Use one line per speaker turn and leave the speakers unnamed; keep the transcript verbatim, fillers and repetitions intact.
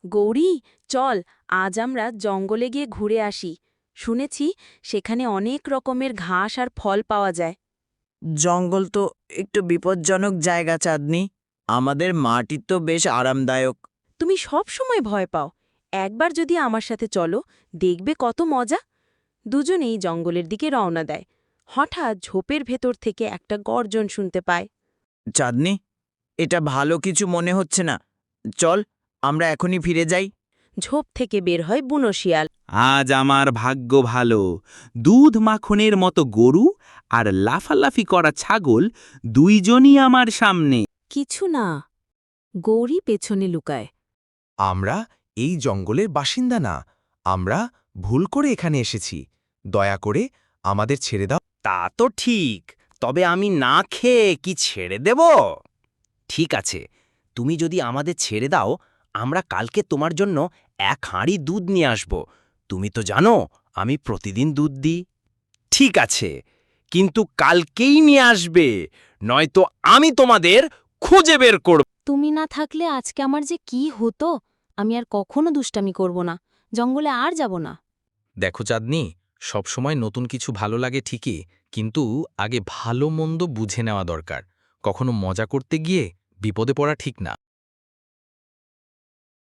গৌরী, চল আজ আমরা জঙ্গলে গিয়ে ঘুরে আসি। শুনেছি সেখানে অনেক রকমের ঘাস আর ফল পাওয়া যায়।
জঙ্গল তো একটু বিপজ্জনক জায়গা চাঁদনি। আমাদের মাটি তো বেশ আরামদায়ক।
তুমি সব সময় ভয় পাও, একবার যদি আমার সাথে চলো, দেখবে কত মজা। দুজনেই জঙ্গলের দিকে রওনা দেয়। হঠাৎ ঝোপের ভেতর থেকে একটা গর্জন শুনতে পায়।
চাঁদনি, এটা ভালো কিছু মনে হচ্ছে না। চল, আমরা এখনই ফিরে যাই।
ঝোপ থেকে বের হয় বুনো শিয়াল।
আজ আমার ভাগ্য ভালো। দুধ মাখনের মতো গরু আর লাফালাফি করা ছাগল দুইজনই আমার সামনে।
কিছু না। গৌরী পেছনে লুকায়।
আমরা এই জঙ্গলের বাসিন্দা না, আমরা ভুল করে এখানে এসেছি। দয়া করে আমাদের ছেড়ে দাও।
তা তো ঠিক, তবে আমি না খেয়ে কি ছেড়ে দেব? ঠিক আছে, তুমি যদি আমাদের ছেড়ে দাও, আমরা কালকে তোমার জন্য এক হাঁড়ি দুধ নিয়ে আসব। তুমি তো জানো আমি প্রতিদিন দুধ দিই। ঠিক আছে, কিন্তু কালকেই নিয়ে আসবে, নয়তো আমি তোমাদের খুঁজে বের করব।
তুমি না থাকলে আজকে আমার যে কি হতো। আমি আর কখনো দুষ্টামি করব না, জঙ্গলে আর যাব না।
দেখো চাঁদনি, সবসময় নতুন কিছু ভালো লাগে ঠিকই, কিন্তু আগে ভালো মন্দ বুঝে নেওয়া দরকার। কখনো মজা করতে গিয়ে বিপদে পড়া ঠিক না।